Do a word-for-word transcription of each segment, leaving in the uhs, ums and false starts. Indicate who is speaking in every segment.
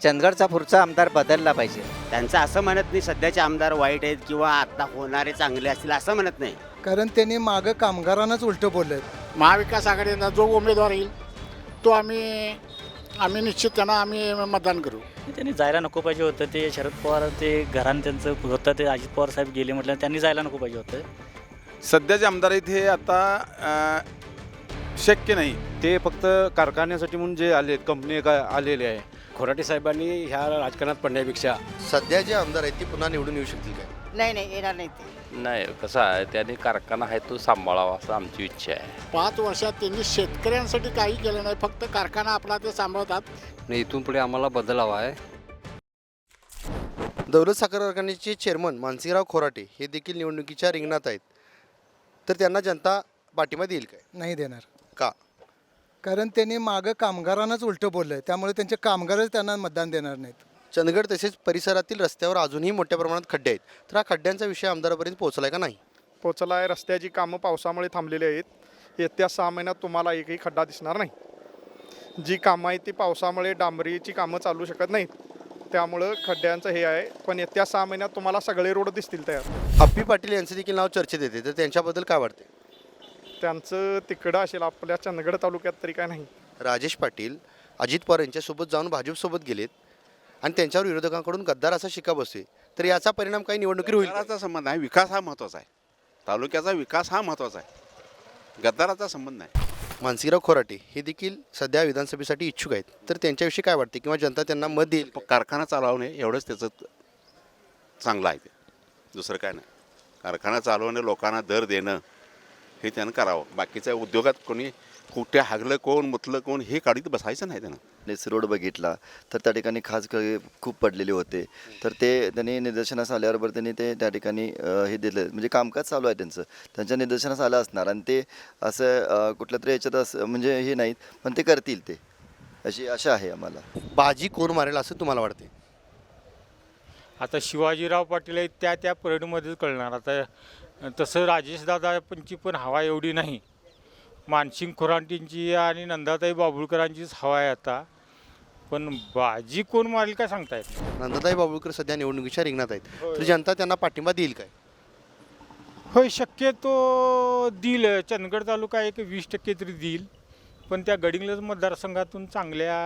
Speaker 1: चंदगडचा पुढचा आमदार बदलला पाहिजे.
Speaker 2: त्यांचं असं म्हणत नाही सध्याचे आमदार वाईट आहेत किंवा आता होणारे चांगले असतील असं म्हणत नाही.
Speaker 3: कारण त्यांनी मागं कामगारांनाच उलटं बोललं.
Speaker 4: महाविकास आघाडीचा जो उमेदवार येईल तो आम्ही आम्ही निश्चित त्यांना आम्ही मतदान करू.
Speaker 5: त्यांनी जायला नको पाहिजे होतं. ते शरद पवार ते घरान त्यांचं होतं, ते अजित पवार साहेब गेले म्हटलं त्यांनी जायला नको पाहिजे होतं.
Speaker 6: सध्याचे आमदार आहेत हे आता अ, शक्य नाही.
Speaker 7: ते फक्त कारखान्यासाठी म्हणून जे आले कंपनी का आलेले आहे.
Speaker 8: खोराटे साहेबांनी ह्या राजकारणात पडण्यापेक्षा
Speaker 9: सध्या जे आमदार आहेत ते पुन्हा निवडून येऊ शकतील काय?
Speaker 10: नाही नाही येणार नाही ते.
Speaker 11: नाही, कसं आहे, त्याने कारखाना आहे तो सांभाळावा असं आमची इच्छा आहे.
Speaker 4: पाच वर्षात त्यांनी शेतकऱ्यांसाठी काही केलं नाही, फक्त कारखाना आपला ते सांभाळतात.
Speaker 8: नाही, इथून पुढे आम्हाला बदल हवा आहे.
Speaker 9: दौलत साखर कारखान्याचे चेअरमन मानसिंगराव खोराटे हे देखील निवडणुकीच्या रिंगणात आहेत, तर त्यांना जनता पाठिंबा देईल काय?
Speaker 3: नाही देणार.
Speaker 9: का?
Speaker 3: कारण त्यांनी मागं कामगारांनाच उलटं बोललं, त्यामुळे त्यांचे कामगारच त्यांना मतदान देणार नाहीत.
Speaker 9: चंदगड तसेच परिसरातील रस्त्यावर अजूनही मोठ्या प्रमाणात खड्डे आहेत, तर हा खड्ड्यांचा विषय आमदारापर्यंत पोहोचलाय का नाही?
Speaker 12: पोचला आहे. रस्त्याची कामं पावसामुळे थांबलेली आहेत. येत्या सहा महिन्यात तुम्हाला एकही खड्डा दिसणार नाही. जी कामं आहेत ती पावसामुळे डांबरीची कामं चालू शकत नाहीत, त्यामुळं खड्ड्यांचं हे आहे. पण येत्या सहा महिन्यात तुम्हाला सगळे रोड दिसतील तयार.
Speaker 9: अप्पी पाटील यांचे देखील नाव चर्चेत येते, तर त्यांच्याबद्दल काय वाटते?
Speaker 12: त्यांचं तिकडं असेल, आपल्या चंदगड तालुक्यात तरी काय नाही.
Speaker 9: राजेश पाटील अजित पवार यांच्यासोबत जाऊन भाजपसोबत गेलेत आणि त्यांच्यावर विरोधकांकडून गद्दार असा शिक्का बसतोय, तर याचा परिणाम काही निवडणुकीवर होईल?
Speaker 6: गद्दाराचा संबंध आहे, विकास हा महत्त्वाचा आहे. तालुक्याचा विकास हा महत्त्वाचा आहे, गद्दाराचा संबंध नाही.
Speaker 9: मानसिंगराव खोराटे हे देखील सध्या विधानसभेसाठी इच्छुक आहेत, तर त्यांच्याविषयी काय वाटते किंवा जनता त्यांना मत देईल?
Speaker 6: कारखाना चालवणे एवढंच त्याचं चांगलं आहे, ते दुसरं काय नाही. कारखाना चालवणे, लोकांना दर देणं हे त्यानं करावं. बाकीच्या उद्योगात कोणी कुठे हागलं कोण मुतलं कोण हे काढीत बसायचं नाही त्यानं.
Speaker 13: नेस रोड बघितला तर त्या ठिकाणी खास खूप पडलेले होते, तर ते त्यांनी निदर्शनास आल्याबरोबर त्यांनी ते त्या ठिकाणी हे दिलं, म्हणजे कामकाज चालू आहे त्यांचं, त्यांच्या निदर्शनास आलं असणार आणि ते असं कुठल्या तरी याच्यात असं म्हणजे हे नाहीत, पण ते करतील, ते अशी आशा आहे आम्हाला.
Speaker 9: बाजी कोण मारेल असं तुम्हाला वाटते?
Speaker 14: आता शिवाजीराव पाटील आहेत त्या त्या परेडमध्येच कळणार. आता तसं राजेशदादांची पण हवा एवढी नाही. मानसिंग खोराटेंची आणि नंदाताई बाबुळकरांचीच हवा आहे आता, पण बाजी कोण मारेल काय सांगता येत नाही.
Speaker 9: नंदाताई बाबुळकर सध्या निवडणुकीच्या रिंगणात आहेत, तर जनता त्यांना पाठिंबा देईल काय?
Speaker 14: होय, शक्यतो देईल. चंदगड तालुका एक वीस टक्के तरी देईल, पण त्या गडिंग्लज मतदारसंघातून चांगल्या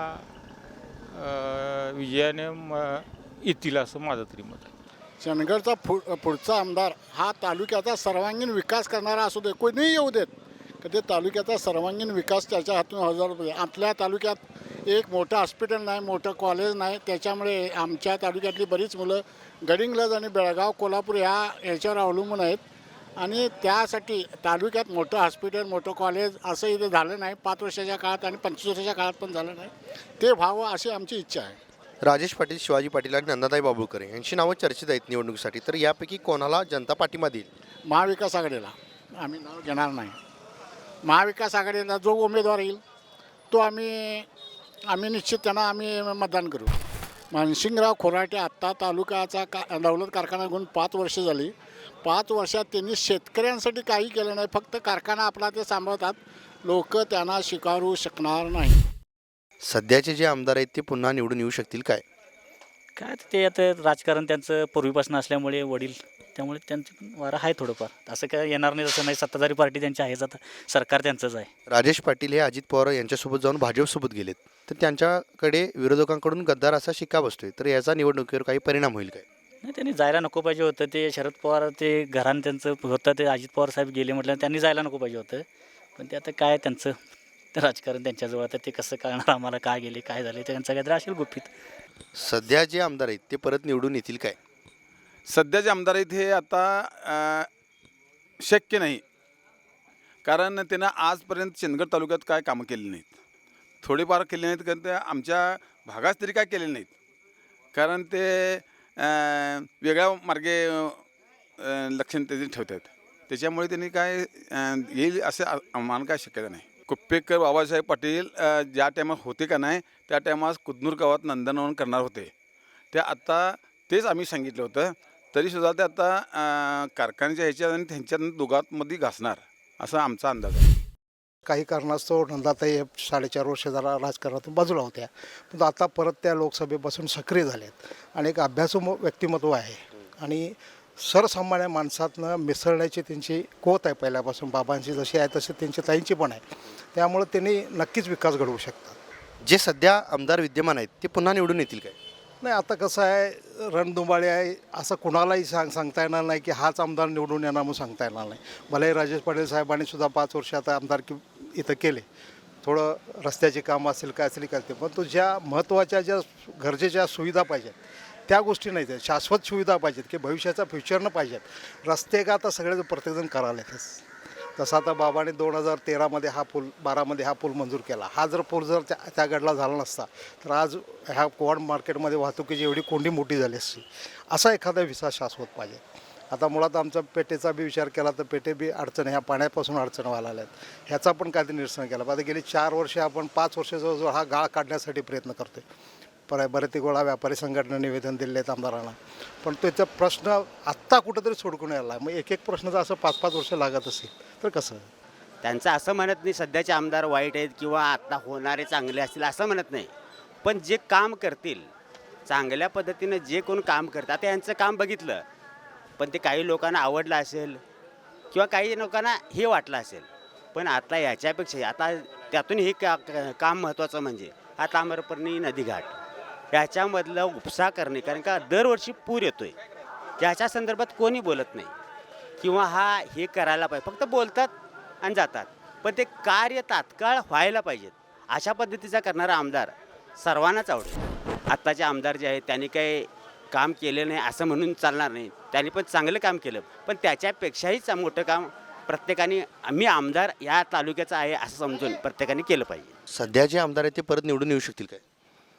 Speaker 14: विजयाने येतील असं माझं तरी मत आहे.
Speaker 4: चंदगडचा पु पुढचा आमदार हा तालुक्याचा सर्वांगीण विकास करणारा असू दे, कोणीही येऊ देत, तर ते तालुक्याचा सर्वांगीण विकास त्याच्या हातून हजार रुपये. आपल्या तालुक्यात एक मोठं हॉस्पिटल नाही, मोठं कॉलेज नाही, त्याच्यामुळे आमच्या तालुक्यातली बरीच मुलं गडिंग्लज आणि बेळगाव कोल्हापूर ह्या याच्यावर अवलंबून आहेत आणि त्यासाठी तालुक्यात मोठं हॉस्पिटल मोठं कॉलेज असं इथे झालं नाही. पाच वर्षाच्या काळात आणि पंचवीस वर्षाच्या काळात पण झालं नाही. ते व्हावं अशी आमची इच्छा आहे.
Speaker 9: राजेश पाटील, शिवाजी पाटील आणि नंदाताई बाबुळकर यांची नावं चर्चेत आहेत निवडणुकीसाठी, तर यापैकी कोणाला जनता पाठिंबा देईल?
Speaker 4: महाविकास आघाडीला आम्ही नाव घेणार नाही. महाविकास आघाडीला जो उमेदवार येईल तो आम्ही आम्ही निश्चित त्यांना आम्ही मतदान करू. मानसिंगराव खोराटे आत्ता तालुक्याचा का दौलत कारखाना घेऊन पाच वर्ष झाली. पाच वर्षात त्यांनी शेतकऱ्यांसाठी काही केलं नाही, फक्त कारखाना आपला ते सांभाळतात. लोक त्यांना स्वीकारू शकणार नाही.
Speaker 9: सध्याचे जे आमदार आहेत ते पुन्हा निवडून येऊ शकतील काय?
Speaker 5: काय ते आता राजकारण त्यांचं पूर्वीपासून असल्यामुळे वडील, त्यामुळे त्यांचं पण वारं आहे थोडंफार. असं काय येणार नाही असं नाही. सत्ताधारी पार्टी त्यांची आहेच, आता सरकार त्यांचंच आहे.
Speaker 9: राजेश पाटील हे अजित पवार यांच्यासोबत जाऊन भाजपसोबत गेलेत, तर त्यांच्याकडे विरोधकांकडून गद्दार असा शिक्का बसतोय, तर याचा निवडणुकीवर काही परिणाम होईल काय?
Speaker 5: नाही, त्यांनी जायला नको पाहिजे होतं. ते शरद पवार ते घरान त्यांचं होतं, ते अजित पवार साहेब गेले म्हटलं त्यांनी जायला नको पाहिजे होतं. पण ते आता काय त्यांचं राजकारण त्यांच्याजवळ, आता ते कसं कळणार आम्हाला काय गेले काय झाले, त्यांचं काहीतरी असेल गुपित.
Speaker 9: सध्या जे आमदार आहेत ते परत निवडून येतील काय?
Speaker 6: सध्याचे आमदार आहेत हे आता अ, शक्य नाही. कारण त्यांना आजपर्यंत चंदगड तालुक्यात काय कामं केली नाहीत, थोडीफार केली नाहीत, कारण ते आमच्या भागात तरी काय केलेले नाहीत. कारण ते वेगळ्या मार्गे लक्षण त्याचे ठेवतात, त्याच्यामुळे त्यांनी काय येईल असं आम्हाला काय शक्यता नाही. कुप्पेकर बाबासाहेब पाटील ज्या टायमात होते का नाही, त्या टायमात कुदनूर गावात नंदनवन करणार होते. त्या आत्ता तेच आम्ही सांगितलं होतं, तरीसुद्धा ते आता कारखान्याच्या ह्याच्यात आणि त्यांच्या दोघांमध्ये घासणार असा आमचा अंदाज आहे.
Speaker 3: काही कारणास्तव नंदाताई हे साडेचार वर्ष जरा राजकारणातून बाजूला होत्या, पण आता परत त्या लोकसभेपासून सक्रिय झाल्यात आणि एक अभ्यासू म- व्यक्तिमत्व आहे आणि सर्वसामान्य माणसातनं मिसळण्याची त्यांची कोत आहे पहिल्यापासून. बाबांची जशी आहे तशी त्यांची ताईंची पण आहे, त्यामुळं त्यांनी नक्कीच विकास घडवू शकतात.
Speaker 9: जे सध्या आमदार विद्यमान आहेत ते पुन्हा निवडून येतील काय?
Speaker 3: नाही, आता कसं आहे, रणधुमाळी आहे असं कुणालाही सांग सांगता येणार नाही की हाच आमदार निवडून येणार म्हणून सांगता येणार नाही. भलेही राजेश पाटील साहेबांनी सुद्धा पाच वर्ष आता आमदारकी इथं केले, थोडं रस्त्याची कामं असेल काय असेल करते, पण तो ज्या महत्त्वाच्या ज्या गरजेच्या सुविधा पाहिजेत त्या गोष्टी नाही, त्या शाश्वत सुविधा पाहिजेत की भविष्याचा फ्युचरनं पाहिजेत. रस्ते का आता सगळे प्रत्येकजण करायलाच. तसं आता बाबाने दोन हजार तेरामध्ये हा पूल बारामध्ये हा पूल मंजूर केला. हा जर पूल जर त्या त्या गडला झाला नसता तर आज ह्या कोवाड मार्केटमध्ये वाहतुकीची एवढी कोंडी मोठी झाली असती. असा एखादा विसा शाश्वत पाहिजे. आता मुळात आमचा पेटेचा बी विचार केला तर पेटे बी अडचण, ह्या पाण्यापासून अडचण व्हायला लागल्यात, ह्याचा पण काहीतरी निरसन केला. आता गेली चार वर्षे आपण पाच वर्ष जवळजवळ हा गाळ काढण्यासाठी प्रयत्न करतो आहे. पर बरेच गोळा व्यापारी संघटना निवेदन दिले आहेत आमदारांना, पण त्याचा प्रश्न आत्ता कुठंतरी सोडकून यायला. मग एक एक प्रश्नाचं असं पाच पाच वर्ष लागत असेल तर कसं?
Speaker 2: त्यांचं असं म्हणत नाही सध्याचे आमदार वाईट आहेत किंवा आता होणारे चांगले असतील असं म्हणत नाही, पण जे काम करतील चांगल्या पद्धतीनं जे कोण काम करतात आता यांचं काम बघितलं, पण ते काही लोकांना आवडलं असेल किंवा काही लोकांना हे वाटलं असेल, पण आता याच्यापेक्षा आता त्यातून हे का काम महत्त्वाचं म्हणजे हा ताम्रपर्णी नदीघाट याच्यामधलं उपसा करणे. कारण का दरवर्षी पूर येतो आहे, त्याच्या संदर्भात कोणी बोलत नाही किंवा हा हे करायला पाहिजे, फक्त बोलतात आणि जातात, पण ते कार्य तात्काळ व्हायला पाहिजेत. अशा पद्धतीचा करणारा आमदार सर्वांनाच आवडेल. आत्ताचे आमदार जे आहेत त्यांनी काही काम केलं नाही असं म्हणून चालणार नाही, त्यांनी पण चांगलं काम केलं, पण त्याच्यापेक्षाही चा- मोठं काम प्रत्येकाने आम्ही आमदार या तालुक्याचा आहे असं समजून प्रत्येकाने केलं पाहिजे.
Speaker 9: सध्या जे आमदार आहेत ते परत निवडून येऊ शकतील काय?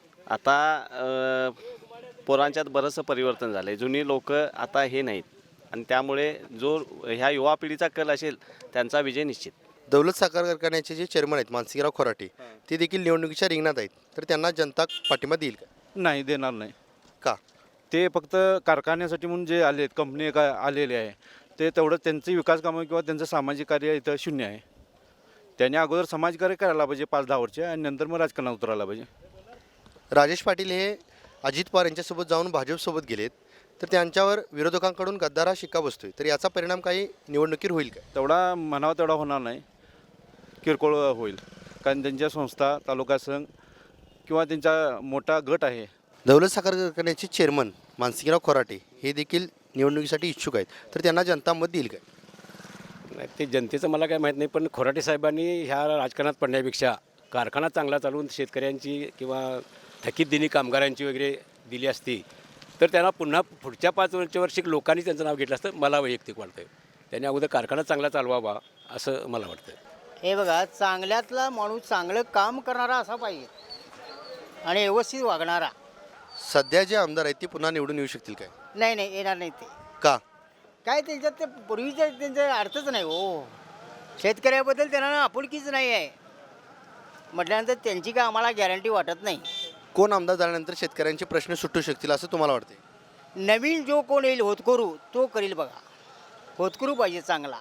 Speaker 8: आता पोरांच्यात बरंचसं परिवर्तन झालं आहे. जुनी लोक आता हे नाहीत आणि त्यामुळे जो ह्या युवा पिढीचा कल असेल त्यांचा विजय निश्चित.
Speaker 9: दौलत साखर कारखान्याचे जे चेअरमन आहेत मानसिंगराव खोराटे ते देखील निवडणुकीच्या रिंगणात आहेत, तर त्यांना जनता पाठिंबा देईल का?
Speaker 7: नाही देणार नाही.
Speaker 9: का?
Speaker 7: ते फक्त कारखान्यासाठी म्हणून जे आले आहेत, कंपनी का आलेले आहे, ते तेवढं त्यांची विकास कामं किंवा त्यांचं सामाजिक कार्य इथं शून्य आहे. त्यांनी अगोदर समाजकार्य करायला पाहिजे पाच दहा वर्ष आणि नंतर मग राजकारणात उतरायला पाहिजे.
Speaker 9: राजेश पाटील हे अजित पवार यांच्यासोबत जाऊन भाजपसोबत गेलेत, तर त्यांच्यावर विरोधकांकडून गद्दारा शिक्का बसतोय, तर याचा परिणाम काही निवडणुकीवर होईल का?
Speaker 7: तेवढा म्हणावा तेवढा होणार नाही, किरकोळ होईल. कारण त्यांच्या संस्था तालुका संघ किंवा त्यांचा मोठा गट आहे.
Speaker 9: दौलत साखर कारखान्याचे चेअरमन मानसिंगराव खोराटे हे देखील निवडणुकीसाठी इच्छुक आहेत, तर त्यांना जनता मत देईल काय?
Speaker 8: नाही, ते जनतेचं मला काय माहीत नाही, पण खोराटे साहेबांनी ह्या राजकारणात पडण्यापेक्षा कारखाना चांगला चालवून शेतकऱ्यांची किंवा थकीत दिनी कामगारांची वगैरे दिली असती तर त्यांना पुन्हा पुढच्या पाच वर्षी लोकांनी त्यांचं नाव घेतलं असतं मला वैयक्तिक वाटतं. त्यांनी अगोदर कारखाना चांगला चालवावा असं मला वाटतं.
Speaker 10: हे बघा, चांगल्यातला माणूस चांगलं काम करणारा असा पाहिजे आणि व्यवस्थित वागणारा.
Speaker 9: सध्या जे आमदार आहेत ते पुन्हा निवडून येऊ शकतील काय?
Speaker 10: नाही नाही येणार नाही ते.
Speaker 9: का?
Speaker 10: काय त्यांच्यात ते पूर्वीच्या त्यांचा अर्थच नाही हो. शेतकऱ्याबद्दल त्यांना आपुलकीच नाही आहे म्हटल्यानंतर त्यांची काय आम्हाला गॅरंटी वाटत नाही.
Speaker 9: कोण आमदार झाल्यानंतर शेतकऱ्यांचे प्रश्न सुटू शकतील असं तुम्हाला वाटते?
Speaker 10: नवीन जो कोण येईल होतकरू तो करील बघा. होतकरू पाहिजे चांगला,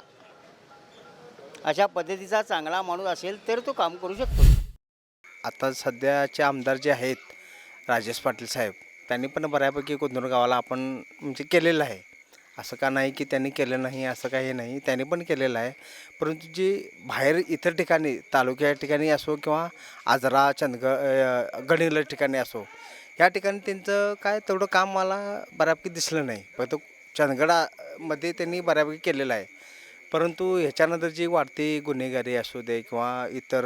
Speaker 10: अशा पद्धतीचा चांगला माणूस असेल तर तो काम करू शकतो.
Speaker 1: आता सध्याचे आमदार जे आहेत राजेश पाटील साहेब, त्यांनी पण बऱ्यापैकी कुंदूर गावाला आपण म्हणजे केलेलं आहे. असं का नाही की त्यांनी केलं नाही, असं काही नाही, त्यांनी पण केलेलं आहे. परंतु जे बाहेर इतर ठिकाणी तालुक्या ठिकाणी असो किंवा आजरा चंदगड गडिंगलज ठिकाणी असो, या ठिकाणी त्यांचं काय तेवढं काम मला बऱ्यापैकी दिसलं नाही. फक्त चंदगडामध्ये त्यांनी बऱ्यापैकी केलेलं आहे. परंतु ह्याच्यानंतर जी वाढती गुन्हेगारी असू दे किंवा इतर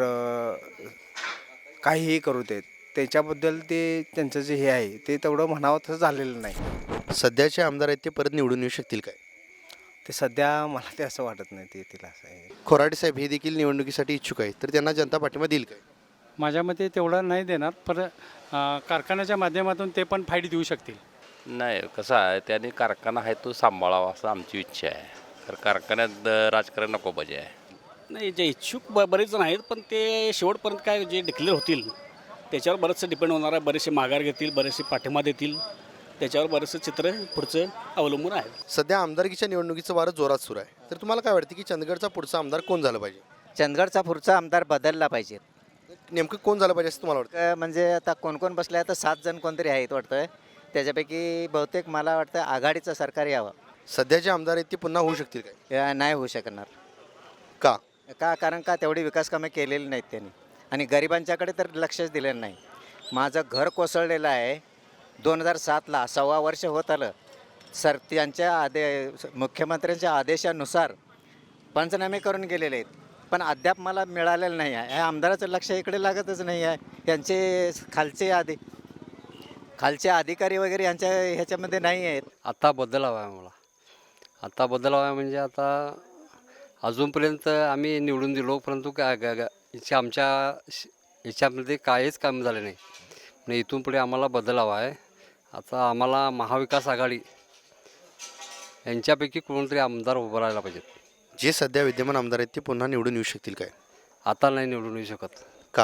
Speaker 1: काहीही करू देत, त्याच्याबद्दल ते त्यांचं जे हे आहे ते तेवढं म्हणावं तसं झालेलं नाही.
Speaker 9: सध्याचे आमदार आहेत ते परत निवडून येऊ शकतील काय?
Speaker 1: ते सध्या मला ते असं वाटत नाही ते येतील असं आहे.
Speaker 9: खोराटे साहेब हे देखील निवडणुकीसाठी इच्छुक आहेत, तर त्यांना जनता पाठिंबा देईल काय?
Speaker 14: माझ्या मते तेवढा नाही देणार, पण कारखान्याच्या माध्यमातून ते पण फायदे देऊ शकतील.
Speaker 11: नाही, कसं आहे, त्यांनी कारखाना आहे तो सांभाळावा असं आमची इच्छा आहे. तर कारखान्यात राजकारण नको पाहिजे आहे.
Speaker 5: नाही, जे इच्छुक ब बरेच जण आहेत, पण ते शेवटपर्यंत काय जे डिक्लेअर होतील त्याच्यावर बरंचसं डिपेंड होणार आहे. बरेचसे माघार घेतील, बरेचसे पाठिंबा देतील, त्याच्यावर बरंचसं चित्र पुढचं अवलंबून आहे.
Speaker 9: सध्या आमदारकीच्या निवडणुकीचं वारं जोरात सुरू आहे, तर तुम्हाला काय वाटतं की चंदगडचा पुढचा आमदार कोण झालं पाहिजे?
Speaker 10: चंदगडचा पुढचा आमदार बदलला पाहिजे.
Speaker 9: नेमकं कोण झालं पाहिजे असं तुम्हाला वाटतं?
Speaker 10: क- म्हणजे आता कोण कोण बसले आता सात जण कोणतरी आहेत वाटतं. त्याच्यापैकी बहुतेक मला वाटतं आघाडीचं सरकार यावं.
Speaker 9: सध्याचे आमदार आहेत ते पुन्हा होऊ शकतील काय?
Speaker 10: या नाही होऊ शकणार.
Speaker 9: का?
Speaker 10: का कारण का तेवढी विकास कामे केलेली नाहीत त्यांनी आणि गरिबांच्याकडे तर लक्षच दिलेलं नाही. माझं घर कोसळलेलं आहे दोन हजार सातला, सव्वा वर्ष होत आलं. सर त्यांच्या आदे मुख्यमंत्र्यांच्या आदेशानुसार पंचनामे करून गेलेले आहेत, पण अद्याप मला मिळालेलं नाही आहे. ह्या आमदाराचं लक्ष इकडे लागतच नाही आहे. यांचे खालचे आधी खालचे अधिकारी वगैरे यांच्या ह्याच्यामध्ये नाही आहेत.
Speaker 8: आता बदल हवा आहे मला. आता बदल हवा आहे म्हणजे आता अजूनपर्यंत आम्ही निवडून दिलो, परंतु का गा- गा- याच्या आमच्या श- याच्यामध्ये काहीच काम झाले नाही. म्हणजे इथून पुढे आम्हाला बदल हवा आहे. आता आम्हाला महाविकास आघाडी यांच्यापैकी कोणतरी आमदार उभं राहायला पाहिजेत.
Speaker 9: जे सध्या विद्यमान आमदार आहेत ते पुन्हा निवडून येऊ शकतील काय?
Speaker 8: आता नाही निवडून येऊ शकत.
Speaker 9: का?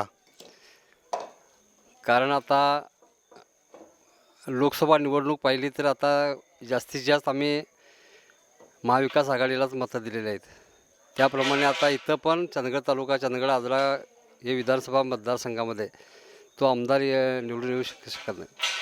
Speaker 8: कारण आता लोकसभा निवडणूक पाहिली तर आता जास्तीत जास्त आम्ही महाविकास आघाडीलाच मतं दिलेली आहेत. त्याप्रमाणे आता इथं पण चंदगड तालुका, चंदगड आजरा हे विधानसभा मतदारसंघामध्ये तो आमदार अ, निवडून येऊ शक शकत नाही.